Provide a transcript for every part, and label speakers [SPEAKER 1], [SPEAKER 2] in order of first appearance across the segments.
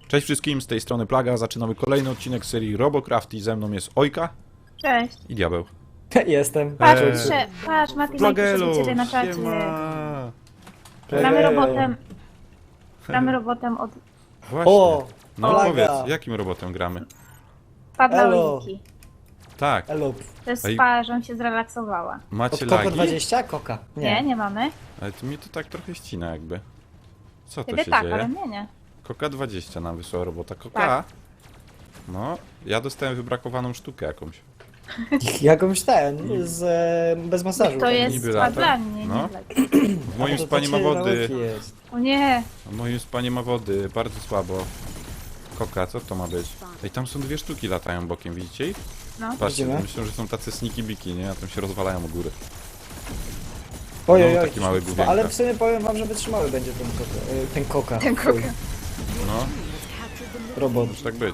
[SPEAKER 1] Cześć wszystkim, z tej strony Plaga. Zaczynamy kolejny odcinek serii Robocraft i ze mną jest Ojka
[SPEAKER 2] Cześć.
[SPEAKER 1] i Diabeł.
[SPEAKER 3] Jestem.
[SPEAKER 2] Patrz,
[SPEAKER 1] Eee.
[SPEAKER 2] patrz, Mati,
[SPEAKER 1] Plagelu,
[SPEAKER 2] ciebie na czacie.
[SPEAKER 1] siema.
[SPEAKER 2] Gramy robotem. Gramy robotem od
[SPEAKER 1] Właśnie.
[SPEAKER 3] O!
[SPEAKER 1] No
[SPEAKER 3] Plaga.
[SPEAKER 1] powiedz, jakim robotem gramy?
[SPEAKER 2] Padła
[SPEAKER 3] Elo.
[SPEAKER 2] Wiki.
[SPEAKER 1] Tak,
[SPEAKER 3] Elo.
[SPEAKER 2] To jest
[SPEAKER 1] Ej.
[SPEAKER 2] spa, żebym się zrelaksowała.
[SPEAKER 3] Od
[SPEAKER 1] macie
[SPEAKER 3] Koko
[SPEAKER 1] lagi?
[SPEAKER 3] 20? Koka.
[SPEAKER 2] Nie mamy.
[SPEAKER 1] Ale to mnie to tak trochę ścina jakby. Co to
[SPEAKER 2] Ciebie
[SPEAKER 1] się
[SPEAKER 2] tak,
[SPEAKER 1] dzieje?
[SPEAKER 2] ale mnie nie.
[SPEAKER 1] Koka 20 nam wysłała robota. Koka?
[SPEAKER 2] Tak.
[SPEAKER 1] No, ja dostałem wybrakowaną sztukę jakąś.
[SPEAKER 3] Jakąś bez masażu.
[SPEAKER 2] To jest
[SPEAKER 1] niby
[SPEAKER 2] spa
[SPEAKER 1] lata.
[SPEAKER 2] dla mnie,
[SPEAKER 1] No.
[SPEAKER 2] nie dla ciebie.
[SPEAKER 1] W moim
[SPEAKER 3] to
[SPEAKER 1] spa nie ma
[SPEAKER 3] cię
[SPEAKER 1] wody.
[SPEAKER 3] nauki jest.
[SPEAKER 2] O nie.
[SPEAKER 1] W moim spa nie ma wody, bardzo słabo. Koka, co to ma być? Ej, tam są dwie sztuki latają bokiem, widzicie ich?
[SPEAKER 2] No.
[SPEAKER 1] Patrzcie,
[SPEAKER 3] Widzimy.
[SPEAKER 1] myślę, że są tacy sneaky biki, nie? A tam się rozwalają u góry.
[SPEAKER 3] Ojej,
[SPEAKER 1] No,
[SPEAKER 3] oj,
[SPEAKER 1] taki mały główienko.
[SPEAKER 3] ale w sumie powiem wam, że wytrzymały będzie ten koka.
[SPEAKER 2] Ten koka.
[SPEAKER 1] No,
[SPEAKER 3] Robot.
[SPEAKER 1] może tak być.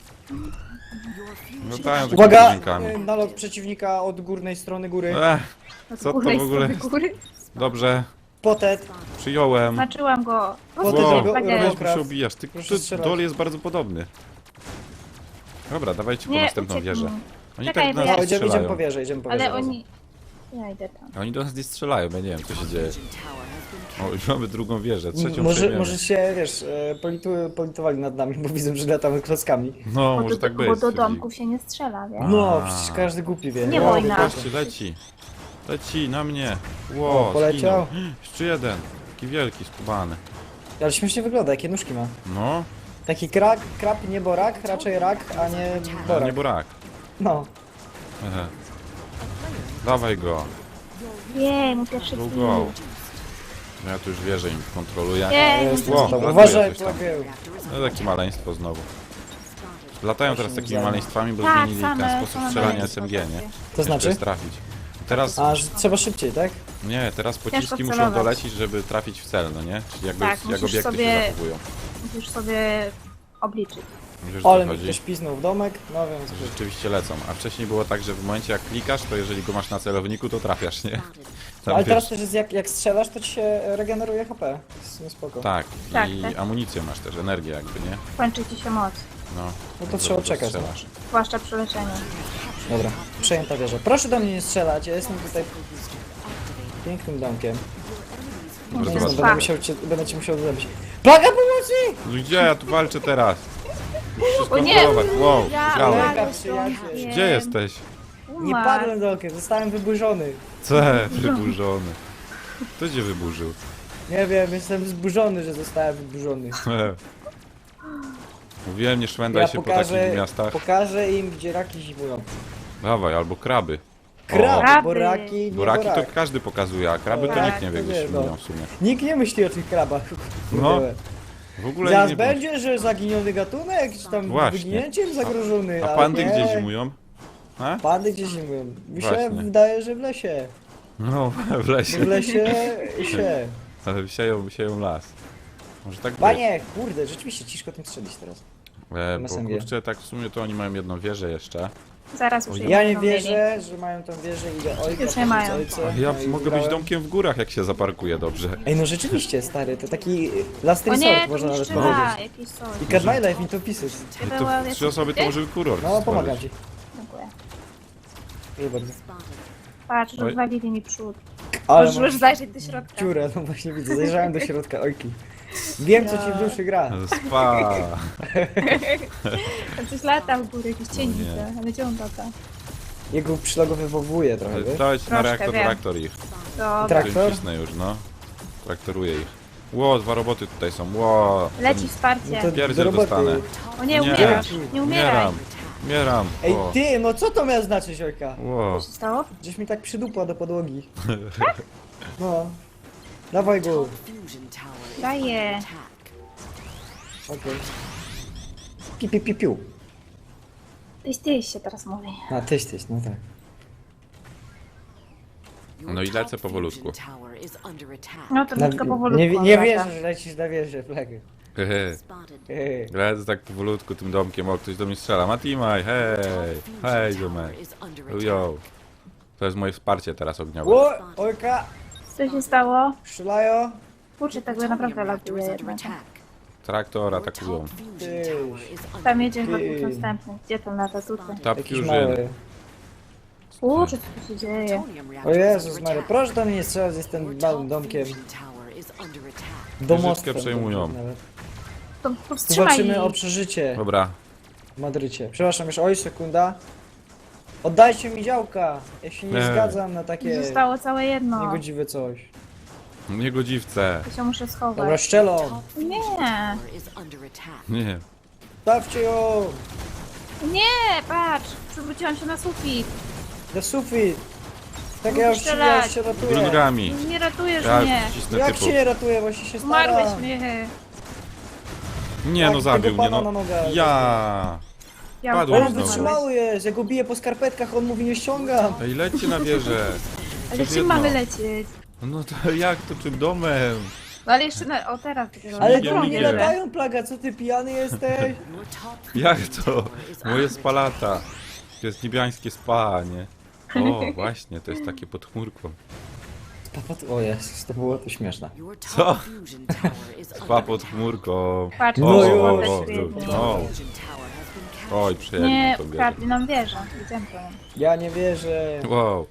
[SPEAKER 1] Latają takimi
[SPEAKER 3] Uwaga!
[SPEAKER 1] główinkami.
[SPEAKER 3] Nalot przeciwnika od górnej strony góry.
[SPEAKER 2] Od
[SPEAKER 1] Co to
[SPEAKER 2] górnej
[SPEAKER 1] w ogóle
[SPEAKER 2] strony góry.
[SPEAKER 1] Dobrze,
[SPEAKER 3] Potet.
[SPEAKER 1] przyjąłem.
[SPEAKER 2] Znaczyłam go.
[SPEAKER 3] Potem
[SPEAKER 1] Wow,
[SPEAKER 3] robo-
[SPEAKER 2] Plagier.
[SPEAKER 1] weź
[SPEAKER 3] Robocraft.
[SPEAKER 1] się obijasz. Ty,
[SPEAKER 3] Proszę strzelać.
[SPEAKER 1] dol jest bardzo podobny. Dobra, dawajcie po
[SPEAKER 2] Nie,
[SPEAKER 1] następną
[SPEAKER 2] uciekł
[SPEAKER 1] wieżę.
[SPEAKER 2] mi.
[SPEAKER 1] Oni
[SPEAKER 2] Czekaj,
[SPEAKER 1] tak do
[SPEAKER 2] bo
[SPEAKER 1] nas
[SPEAKER 2] ja-
[SPEAKER 1] nie
[SPEAKER 3] Idziemy po
[SPEAKER 1] strzelają.
[SPEAKER 3] wieżę, idziemy po wieżę.
[SPEAKER 2] Ale oni... Ja idę tam.
[SPEAKER 1] Oni do nas nie strzelają, ja nie wiem co się dzieje. O, już mamy drugą wieżę, trzecią
[SPEAKER 3] Może
[SPEAKER 1] przejmiemy.
[SPEAKER 3] się, wiesz, politowali nad nami, bo widzą, że latamy klockami.
[SPEAKER 1] No,
[SPEAKER 2] Bo
[SPEAKER 1] może
[SPEAKER 2] do,
[SPEAKER 1] tak być.
[SPEAKER 2] bo do
[SPEAKER 1] stwierdzili.
[SPEAKER 2] domków się nie strzela, wiesz?
[SPEAKER 3] No,
[SPEAKER 1] A.
[SPEAKER 3] przecież każdy głupi wie.
[SPEAKER 2] Nie
[SPEAKER 3] No,
[SPEAKER 2] wojna.
[SPEAKER 1] Patrzcie, leci. Leci na mnie. Ło,
[SPEAKER 3] O, poleciał.
[SPEAKER 1] zginął. Jeszcze jeden. Taki wielki, skubany.
[SPEAKER 3] Ale śmiesznie wygląda, jakie nóżki ma.
[SPEAKER 1] No,
[SPEAKER 3] Taki krab, nie borak, raczej rak, a nie
[SPEAKER 1] ale
[SPEAKER 3] borak.
[SPEAKER 1] nie burak.
[SPEAKER 3] No.
[SPEAKER 1] Ehe. Dawaj go.
[SPEAKER 2] Jej, mu pierwszy
[SPEAKER 1] Go,
[SPEAKER 2] kill.
[SPEAKER 1] go. No ja tu już wierzę im kontroluję.
[SPEAKER 2] Jej,
[SPEAKER 3] Jest,
[SPEAKER 2] mu
[SPEAKER 1] Ło,
[SPEAKER 3] jest,
[SPEAKER 1] latuje
[SPEAKER 3] uważaj,
[SPEAKER 1] coś tam.
[SPEAKER 3] plagieł.
[SPEAKER 1] No takie maleństwo znowu. Latają teraz takimi maleństwami, bo
[SPEAKER 2] Tak,
[SPEAKER 1] zmienili ten
[SPEAKER 2] same
[SPEAKER 1] sposób strzelania
[SPEAKER 2] maleństwo
[SPEAKER 1] SMG, nie?
[SPEAKER 2] takie.
[SPEAKER 3] To znaczy?
[SPEAKER 1] Jest trafić. Teraz,
[SPEAKER 3] A, że trzeba szybciej, tak?
[SPEAKER 1] nie, teraz pociski muszą
[SPEAKER 2] celować.
[SPEAKER 1] dolecieć, żeby trafić w cel, no nie? Czyli jakby,
[SPEAKER 2] Tak,
[SPEAKER 1] jak
[SPEAKER 2] musisz
[SPEAKER 1] obiekty
[SPEAKER 2] sobie-
[SPEAKER 1] się zachowują.
[SPEAKER 2] Musisz sobie obliczyć.
[SPEAKER 1] Wiesz, o
[SPEAKER 3] Ale
[SPEAKER 1] co
[SPEAKER 3] mi
[SPEAKER 1] chodzi?
[SPEAKER 3] ktoś piznął w domek, no więc...
[SPEAKER 1] Że rzeczywiście lecą. A wcześniej było tak, że w momencie jak klikasz, to jeżeli go masz na celowniku, to trafiasz, nie? Tam,
[SPEAKER 3] Ale teraz
[SPEAKER 1] wiesz,
[SPEAKER 3] też jest jak strzelasz, to ci się regeneruje HP. Jest spoko.
[SPEAKER 1] tak,
[SPEAKER 2] Tak,
[SPEAKER 1] i
[SPEAKER 2] tak.
[SPEAKER 1] amunicję masz też, energię jakby, nie?
[SPEAKER 2] Kończy ci się moc.
[SPEAKER 1] No,
[SPEAKER 3] No to
[SPEAKER 1] jak
[SPEAKER 3] trzeba
[SPEAKER 1] dobrze
[SPEAKER 3] czekać, no.
[SPEAKER 1] strzelasz.
[SPEAKER 2] Zwłaszcza przy leczeniu.
[SPEAKER 3] Dobra, przejęta wieża. Proszę do mnie nie strzelać, ja jestem tutaj pięknym domkiem.
[SPEAKER 1] Dobra,
[SPEAKER 3] Nie,
[SPEAKER 1] zobacz.
[SPEAKER 3] będę ci musiał zrobić. Plaga pomocy!
[SPEAKER 1] No gdzie ja tu walczę teraz? Muszę
[SPEAKER 2] O nie!
[SPEAKER 1] skontrolować. Wow,
[SPEAKER 2] Ja
[SPEAKER 1] grałem.
[SPEAKER 3] Plaga,
[SPEAKER 2] umarłem z
[SPEAKER 3] przyjaciel.
[SPEAKER 2] domkiem.
[SPEAKER 1] Gdzie jesteś?
[SPEAKER 3] Nie
[SPEAKER 2] Umarł.
[SPEAKER 3] padłem domkiem, zostałem wyburzony.
[SPEAKER 1] Wyburzony. Kto cię wyburzył?
[SPEAKER 3] Nie wiem, jestem zburzony, że zostałem wyburzony.
[SPEAKER 1] Mówiłem, nie szwendaj się po takich miastach.
[SPEAKER 3] pokażę im, gdzie raki zimują.
[SPEAKER 1] Dawaj, albo kraby.
[SPEAKER 3] Krab,
[SPEAKER 2] Kraby.
[SPEAKER 3] bo raki, nie
[SPEAKER 1] Buraki to
[SPEAKER 3] borak.
[SPEAKER 1] każdy pokazuje, a kraby to
[SPEAKER 3] Tak,
[SPEAKER 1] nikt nie wie,
[SPEAKER 3] to
[SPEAKER 1] gdzie
[SPEAKER 3] nie,
[SPEAKER 1] się
[SPEAKER 3] no.
[SPEAKER 1] mówią w sumie.
[SPEAKER 3] Nikt nie myśli o tych krabach.
[SPEAKER 1] No,
[SPEAKER 3] Kurde.
[SPEAKER 1] w ogóle
[SPEAKER 3] Zaraz
[SPEAKER 1] nie
[SPEAKER 3] będzie, że zaginiony gatunek, czy tam
[SPEAKER 1] Właśnie.
[SPEAKER 3] wyginięciem zagrożony.
[SPEAKER 1] A
[SPEAKER 3] ale
[SPEAKER 1] pandy
[SPEAKER 3] nie.
[SPEAKER 1] gdzie zimują? A?
[SPEAKER 3] Pandy gdzie zimują? Mi się
[SPEAKER 1] Właśnie.
[SPEAKER 3] wydaje, że w lesie.
[SPEAKER 1] No, w lesie.
[SPEAKER 3] W lesie się.
[SPEAKER 1] Ale sieją las. Może tak być.
[SPEAKER 3] Panie, kurde, rzeczywiście ciężko tym strzelić teraz.
[SPEAKER 1] Bo
[SPEAKER 3] SMG.
[SPEAKER 1] kurczę, tak w sumie to oni mają jedną wieżę jeszcze.
[SPEAKER 2] Zaraz już
[SPEAKER 3] Ja nie
[SPEAKER 2] będą mieli.
[SPEAKER 3] wierzę, że mają tą wieżę i idę ojca.
[SPEAKER 2] Już nie mają.
[SPEAKER 3] ojca,
[SPEAKER 1] A ja
[SPEAKER 3] no i
[SPEAKER 1] mogę być
[SPEAKER 3] wygrałem.
[SPEAKER 1] domkiem w górach, jak się zaparkuję dobrze.
[SPEAKER 3] Ej, no rzeczywiście, stary, to taki last
[SPEAKER 2] O nie,
[SPEAKER 3] resort
[SPEAKER 2] to
[SPEAKER 3] można nawet
[SPEAKER 2] niszczy
[SPEAKER 3] powiedzieć.
[SPEAKER 2] jakiś coś.
[SPEAKER 3] I cut my life into pieces.
[SPEAKER 1] To 3 osoby to może kuror
[SPEAKER 3] No, pomagam ci.
[SPEAKER 2] Dziękuję.
[SPEAKER 3] Proszę bardzo.
[SPEAKER 2] Patrz,
[SPEAKER 1] Oj.
[SPEAKER 2] rozwalili mi przód.
[SPEAKER 3] Ale
[SPEAKER 2] Możesz
[SPEAKER 3] masz
[SPEAKER 2] zajrzeć do środka.
[SPEAKER 3] dziurę, no właśnie widzę, zajrzałem do środka, ojki. Wiem, co ci w duszy gra.
[SPEAKER 1] Spa.
[SPEAKER 2] Tam coś lata w górę, jakiś cień
[SPEAKER 1] nie.
[SPEAKER 2] widzę. Ale gdzie on lata?
[SPEAKER 3] Jego przylogowywuje trochę, wiesz?
[SPEAKER 1] Dawajcie na
[SPEAKER 2] Troszkę,
[SPEAKER 1] reaktor,
[SPEAKER 2] wiem.
[SPEAKER 1] reaktor ich.
[SPEAKER 2] Dobra.
[SPEAKER 3] Tak.
[SPEAKER 1] To im
[SPEAKER 3] Traktor?
[SPEAKER 1] cisnę już, no. Traktoruję ich. Ło, 2 roboty tutaj są, ło.
[SPEAKER 2] Leci wsparcie.
[SPEAKER 3] No to
[SPEAKER 1] Pierdziel
[SPEAKER 3] do roboty.
[SPEAKER 1] dostanę.
[SPEAKER 2] O nie,
[SPEAKER 1] Nie.
[SPEAKER 2] umierasz. Nie umieraj.
[SPEAKER 1] Umieram. Umieram.
[SPEAKER 3] Ej,
[SPEAKER 1] O.
[SPEAKER 3] ty, no co to miał znaczyć, ojka?
[SPEAKER 1] Ło.
[SPEAKER 2] Co się stało?
[SPEAKER 3] Gdzieś mi tak przydupła do podłogi. No. Dawaj go.
[SPEAKER 2] Daję.
[SPEAKER 3] Okej. Piu.
[SPEAKER 2] Tyś się teraz mówi.
[SPEAKER 3] A, tyś, no tak.
[SPEAKER 1] No i lecę powolutku.
[SPEAKER 2] No to tylko powolutku.
[SPEAKER 3] Nie
[SPEAKER 2] lata.
[SPEAKER 3] wierzę, że lecisz na wieżę, flagę.
[SPEAKER 1] Hehe. Lecę tak powolutku tym domkiem, o, ktoś do mnie strzela. Matimaj, hej. Hej, ziomek. Yo. To jest moje wsparcie teraz ogniowe.
[SPEAKER 3] Ło, ojka,
[SPEAKER 2] Co się stało?
[SPEAKER 3] strzelają.
[SPEAKER 2] Kurczę, tak by naprawdę latuje jednak.
[SPEAKER 1] Traktor atakują.
[SPEAKER 2] Tam jedzie wokół następny. Gdzie tam lata? Tutaj.
[SPEAKER 1] Top
[SPEAKER 3] Jakiś
[SPEAKER 1] Fusion.
[SPEAKER 3] mały.
[SPEAKER 2] Kurczę, co tu się dzieje?
[SPEAKER 3] O Jezus Mary, proszę do mnie nie strzelać, jestem małym domkiem. Domostwem.
[SPEAKER 1] przejmują.
[SPEAKER 3] nawet.
[SPEAKER 2] To powstrzymaj
[SPEAKER 3] Zobaczymy o
[SPEAKER 2] ich.
[SPEAKER 3] przeżycie
[SPEAKER 1] Dobra.
[SPEAKER 3] w Madrycie. Przepraszam, już oj, sekunda. Oddajcie mi działka! Ja się nie
[SPEAKER 1] Nie.
[SPEAKER 3] zgadzam na takie
[SPEAKER 2] Zostało całe jedno.
[SPEAKER 3] niegodziwe coś.
[SPEAKER 1] Niegodziwce.
[SPEAKER 2] To się muszę schować.
[SPEAKER 3] Dobra, szczelą!
[SPEAKER 2] Nie!
[SPEAKER 1] Nie.
[SPEAKER 3] Stawcie ją!
[SPEAKER 2] Nie! Patrz! Przywróciłam się na sufit.
[SPEAKER 3] Na sufit! Tak ja już
[SPEAKER 2] Strzelać.
[SPEAKER 3] się ratuję.
[SPEAKER 1] Grungami.
[SPEAKER 2] Nie ratujesz
[SPEAKER 1] Ja
[SPEAKER 2] mnie.
[SPEAKER 1] wcisnę
[SPEAKER 3] Jak
[SPEAKER 1] typu.
[SPEAKER 3] się nie ratuję, właśnie się
[SPEAKER 2] Umarłeś
[SPEAKER 3] staram.
[SPEAKER 2] mnie.
[SPEAKER 1] Nie
[SPEAKER 3] Tak,
[SPEAKER 1] no, zabił
[SPEAKER 3] tego
[SPEAKER 1] mnie
[SPEAKER 3] pana
[SPEAKER 1] no.
[SPEAKER 3] na nogach.
[SPEAKER 1] Ja.
[SPEAKER 2] Ja
[SPEAKER 1] Padłem
[SPEAKER 3] On
[SPEAKER 1] znowu.
[SPEAKER 3] wytrzymały jest, ja go biję po skarpetkach, on mówi nie ściągam.
[SPEAKER 1] Ej, lećcie na wieżę.
[SPEAKER 2] Ale
[SPEAKER 1] Coś
[SPEAKER 2] czym
[SPEAKER 1] jedno.
[SPEAKER 2] mamy lecieć?
[SPEAKER 1] No to jak to, czym domem?
[SPEAKER 2] No ale jeszcze na... O teraz dopiero.
[SPEAKER 3] Ale
[SPEAKER 1] Migiem,
[SPEAKER 3] to nie
[SPEAKER 1] migiem.
[SPEAKER 3] latają, Plaga, co ty pijany jesteś?
[SPEAKER 1] Jak to? Moje spalata. To jest niebiańskie spa, nie? O, właśnie, to jest takie pod chmurką.
[SPEAKER 3] O Jezus, to było to śmieszne.
[SPEAKER 1] Co? Spa pod chmurką.
[SPEAKER 2] Patrz,
[SPEAKER 1] O,
[SPEAKER 3] No
[SPEAKER 1] o,
[SPEAKER 3] już.
[SPEAKER 1] o, o. Oj, przejęli
[SPEAKER 2] Nie,
[SPEAKER 1] to wieżę.
[SPEAKER 2] ukradli nam wieżę. Idziemy po nią.
[SPEAKER 3] Ja nie wierzę.
[SPEAKER 1] Wow,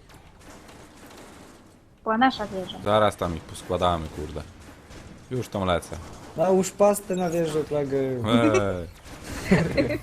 [SPEAKER 2] Była nasza wieża.
[SPEAKER 1] zaraz tam ich poskładamy, kurde. Już tam lecę.
[SPEAKER 3] Nałóż pastę na wieżę, Plagę.
[SPEAKER 1] Ej.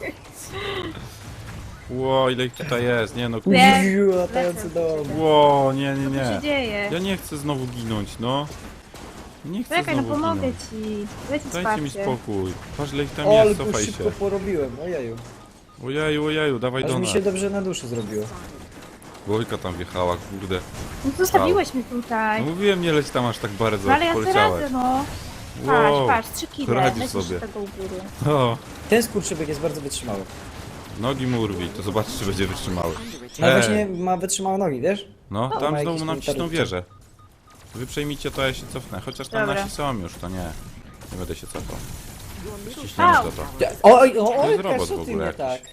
[SPEAKER 1] Ło, ile ich tutaj jest? Nie no,
[SPEAKER 2] Nie.
[SPEAKER 3] Uziu, latający dom.
[SPEAKER 1] ło, nie, nie,
[SPEAKER 2] Co tu się
[SPEAKER 1] nie.
[SPEAKER 2] dzieje?
[SPEAKER 1] Ja nie chcę znowu ginąć, no. Nie chcę
[SPEAKER 2] Czekaj, no
[SPEAKER 1] znowu
[SPEAKER 2] pomogę
[SPEAKER 1] ginąć.
[SPEAKER 2] ci. Dajcie
[SPEAKER 1] Dajcie mi
[SPEAKER 2] wsparcie.
[SPEAKER 1] spokój. Patrz, ile ich tam
[SPEAKER 3] O,
[SPEAKER 1] jest,
[SPEAKER 3] ale go
[SPEAKER 1] cofaj
[SPEAKER 3] szybko
[SPEAKER 1] się.
[SPEAKER 3] porobiłem, ojeju.
[SPEAKER 1] Ojeju, ojeju, dawaj
[SPEAKER 3] Aż
[SPEAKER 1] do
[SPEAKER 3] mi
[SPEAKER 1] nas.
[SPEAKER 3] się dobrze na duszy zrobiło.
[SPEAKER 1] Wojka tam wjechała, kurde.
[SPEAKER 2] No zostawiłeś mnie tutaj.
[SPEAKER 1] No mówiłem, nie leć tam aż tak bardzo,
[SPEAKER 2] No ale ja sobie
[SPEAKER 1] poleciałeś.
[SPEAKER 2] radzę, no.
[SPEAKER 1] Wow,
[SPEAKER 2] Patrz, 3 kile.
[SPEAKER 1] radzisz
[SPEAKER 2] Lecisz
[SPEAKER 1] sobie.
[SPEAKER 2] tego u góry.
[SPEAKER 1] O,
[SPEAKER 3] Ten skurczybyk jest bardzo wytrzymały.
[SPEAKER 1] nogi mu urwij, to zobacz, czy będzie wytrzymały.
[SPEAKER 3] No
[SPEAKER 1] Ej.
[SPEAKER 3] właśnie ma wytrzymałe nogi, wiesz?
[SPEAKER 1] No,
[SPEAKER 3] ma
[SPEAKER 1] tam
[SPEAKER 3] jakiś
[SPEAKER 1] znowu nam cisną
[SPEAKER 3] militarny
[SPEAKER 1] wieżę. Wy przejmijcie to, ja się cofnę. Chociaż tam
[SPEAKER 2] Dobra.
[SPEAKER 1] nasi są już, to nie. Nie będę się cofał. Ściśniemy
[SPEAKER 2] Au.
[SPEAKER 1] to to.
[SPEAKER 3] Oj,
[SPEAKER 1] To jest
[SPEAKER 3] oj,
[SPEAKER 1] robot
[SPEAKER 3] co
[SPEAKER 1] w
[SPEAKER 3] ty
[SPEAKER 1] ogóle
[SPEAKER 3] nie tak?
[SPEAKER 1] jakiś.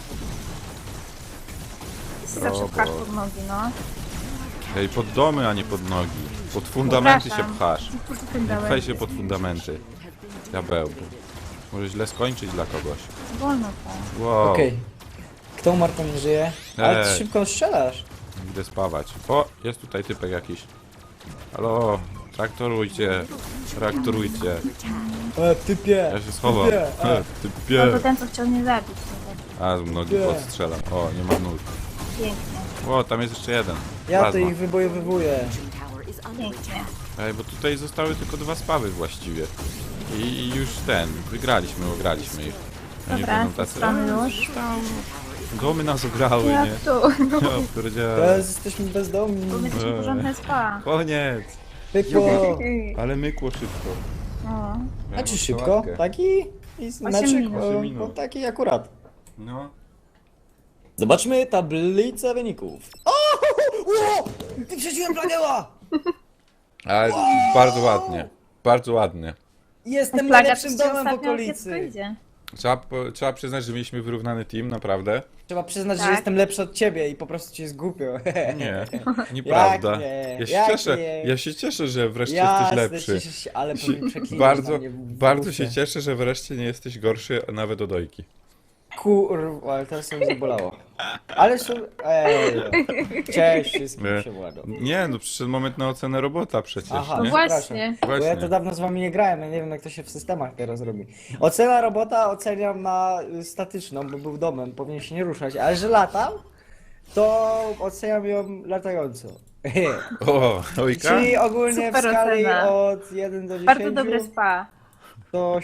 [SPEAKER 2] Zawsze pchasz pod nogi, no.
[SPEAKER 1] Ej, pod domy, a nie pod nogi. Pod fundamenty się
[SPEAKER 2] Przepraszam.
[SPEAKER 1] pchasz.
[SPEAKER 2] Ten
[SPEAKER 1] Nie
[SPEAKER 2] dałeś.
[SPEAKER 1] pchaj się pod fundamenty. Diabełku. Może źle skończyć dla kogoś.
[SPEAKER 2] Wolno to.
[SPEAKER 1] Wow,
[SPEAKER 3] Okej. Kto umarł, to nie żyje? Ale ty
[SPEAKER 1] Ej.
[SPEAKER 3] szybko strzelasz.
[SPEAKER 1] idę spawać. O, jest tutaj typek jakiś. Halo, traktorujcie. Traktorujcie.
[SPEAKER 3] Typie.
[SPEAKER 1] Ja się schowam.
[SPEAKER 3] Typie.
[SPEAKER 1] Typie.
[SPEAKER 2] Albo ten, co chciał mnie zabić. No,
[SPEAKER 1] A, z nogi
[SPEAKER 3] Nie.
[SPEAKER 1] podstrzelam. O, nie ma nóg.
[SPEAKER 2] pięknie,
[SPEAKER 1] O, tam jest jeszcze jeden.
[SPEAKER 3] Ja to
[SPEAKER 1] Plazma.
[SPEAKER 3] ich wybojowywuję.
[SPEAKER 2] pięknie.
[SPEAKER 1] Ej, bo tutaj zostały tylko 2 spawy właściwie. I już wygraliśmy, ograliśmy ich. Oni
[SPEAKER 2] Dobra,
[SPEAKER 1] będą tacy,
[SPEAKER 2] strony już.
[SPEAKER 1] domy nas ograły,
[SPEAKER 2] Jak
[SPEAKER 1] nie?
[SPEAKER 2] tu? No,
[SPEAKER 1] Ja pierdzielę.
[SPEAKER 3] Teraz jesteśmy bezdomni.
[SPEAKER 2] bo my jesteśmy porządne spa.
[SPEAKER 1] Koniec!
[SPEAKER 3] Pykło.
[SPEAKER 1] Ale mykło szybko.
[SPEAKER 2] No.
[SPEAKER 3] A czy szybko? Taki? Znaczy,
[SPEAKER 2] minut.
[SPEAKER 1] 8 minut.
[SPEAKER 3] taki akurat.
[SPEAKER 1] No.
[SPEAKER 3] Zobaczmy tablicę wyników. O! Ło! Wyprzedziłem Plageła!
[SPEAKER 1] Ale bardzo ładnie. Bardzo ładnie.
[SPEAKER 3] Jestem
[SPEAKER 2] Plaga,
[SPEAKER 3] najlepszym
[SPEAKER 2] to się
[SPEAKER 3] domem w
[SPEAKER 2] ostatnio
[SPEAKER 3] okolicy.
[SPEAKER 2] kiepsko idzie.
[SPEAKER 1] Trzeba przyznać, że mieliśmy wyrównany team, naprawdę.
[SPEAKER 3] Trzeba przyznać, że
[SPEAKER 2] Tak.
[SPEAKER 3] jestem lepszy od ciebie i po prostu ci jest głupio.
[SPEAKER 1] Nie, nieprawda.
[SPEAKER 3] nie?
[SPEAKER 1] Ja się
[SPEAKER 3] Jak
[SPEAKER 1] cieszę,
[SPEAKER 3] nie?
[SPEAKER 1] ja się cieszę, że wreszcie
[SPEAKER 3] Jasne,
[SPEAKER 1] jesteś lepszy.
[SPEAKER 3] cieszę się, ale przeklinasz
[SPEAKER 1] Bardzo,
[SPEAKER 3] na mnie w
[SPEAKER 1] bardzo
[SPEAKER 3] główkę.
[SPEAKER 1] się cieszę, że wreszcie nie jesteś gorszy nawet od Ojki.
[SPEAKER 3] Kurwa, ale teraz sobie zabolało. Ale są... Ej, cześć wszystkim,
[SPEAKER 1] Nie.
[SPEAKER 3] się władą.
[SPEAKER 1] Nie, no przyszedł moment na ocenę robota przecież,
[SPEAKER 3] Aha,
[SPEAKER 2] No
[SPEAKER 1] nie?
[SPEAKER 2] właśnie.
[SPEAKER 3] Bo ja
[SPEAKER 1] Właśnie.
[SPEAKER 3] to dawno z wami nie grałem, ja nie wiem jak to się w systemach teraz robi. Ocena robota oceniam na statyczną, bo był domem, powinien się nie ruszać, ale że latał, to oceniam ją latająco.
[SPEAKER 1] O, Ojka?
[SPEAKER 3] Czyli ogólnie
[SPEAKER 2] Super
[SPEAKER 3] w skali
[SPEAKER 2] ocena.
[SPEAKER 3] od 1 do 10
[SPEAKER 2] Bardzo dobre spa.
[SPEAKER 3] to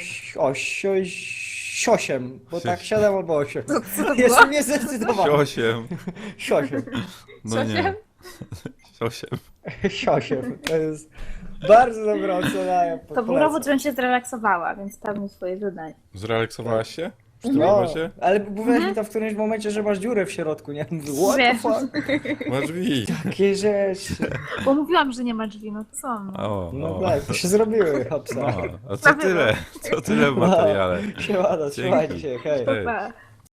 [SPEAKER 3] 8, bo tak 7 albo 8.
[SPEAKER 2] Co to było?
[SPEAKER 3] Jeszcze nie zdecydowałem.
[SPEAKER 1] 8.
[SPEAKER 3] 8.
[SPEAKER 1] No nie. 8.
[SPEAKER 3] 8. To jest bardzo dobra ocena. Ja
[SPEAKER 2] To był robot, żebym się zrelaksowała, więc spełnił swoje zadanie.
[SPEAKER 1] Zrelaksowałaś się? Przy tym
[SPEAKER 3] No,
[SPEAKER 1] robocie?
[SPEAKER 3] ale mówiłeś mi to w którymś momencie, że masz dziurę w środku, nie? Mówię, what the
[SPEAKER 2] Wiem.
[SPEAKER 3] fuck?
[SPEAKER 1] Masz drzwi.
[SPEAKER 3] Takie rzeczy.
[SPEAKER 2] Bo mówiłam, że nie ma drzwi, no to są. No.
[SPEAKER 1] O,
[SPEAKER 3] No
[SPEAKER 1] o.
[SPEAKER 3] tak, to się zrobiły, hopsa.
[SPEAKER 1] No, a co tyle? Co tyle w materiale?
[SPEAKER 3] Siemano, trzymajcie się, hej.
[SPEAKER 1] Hej.
[SPEAKER 2] Pa.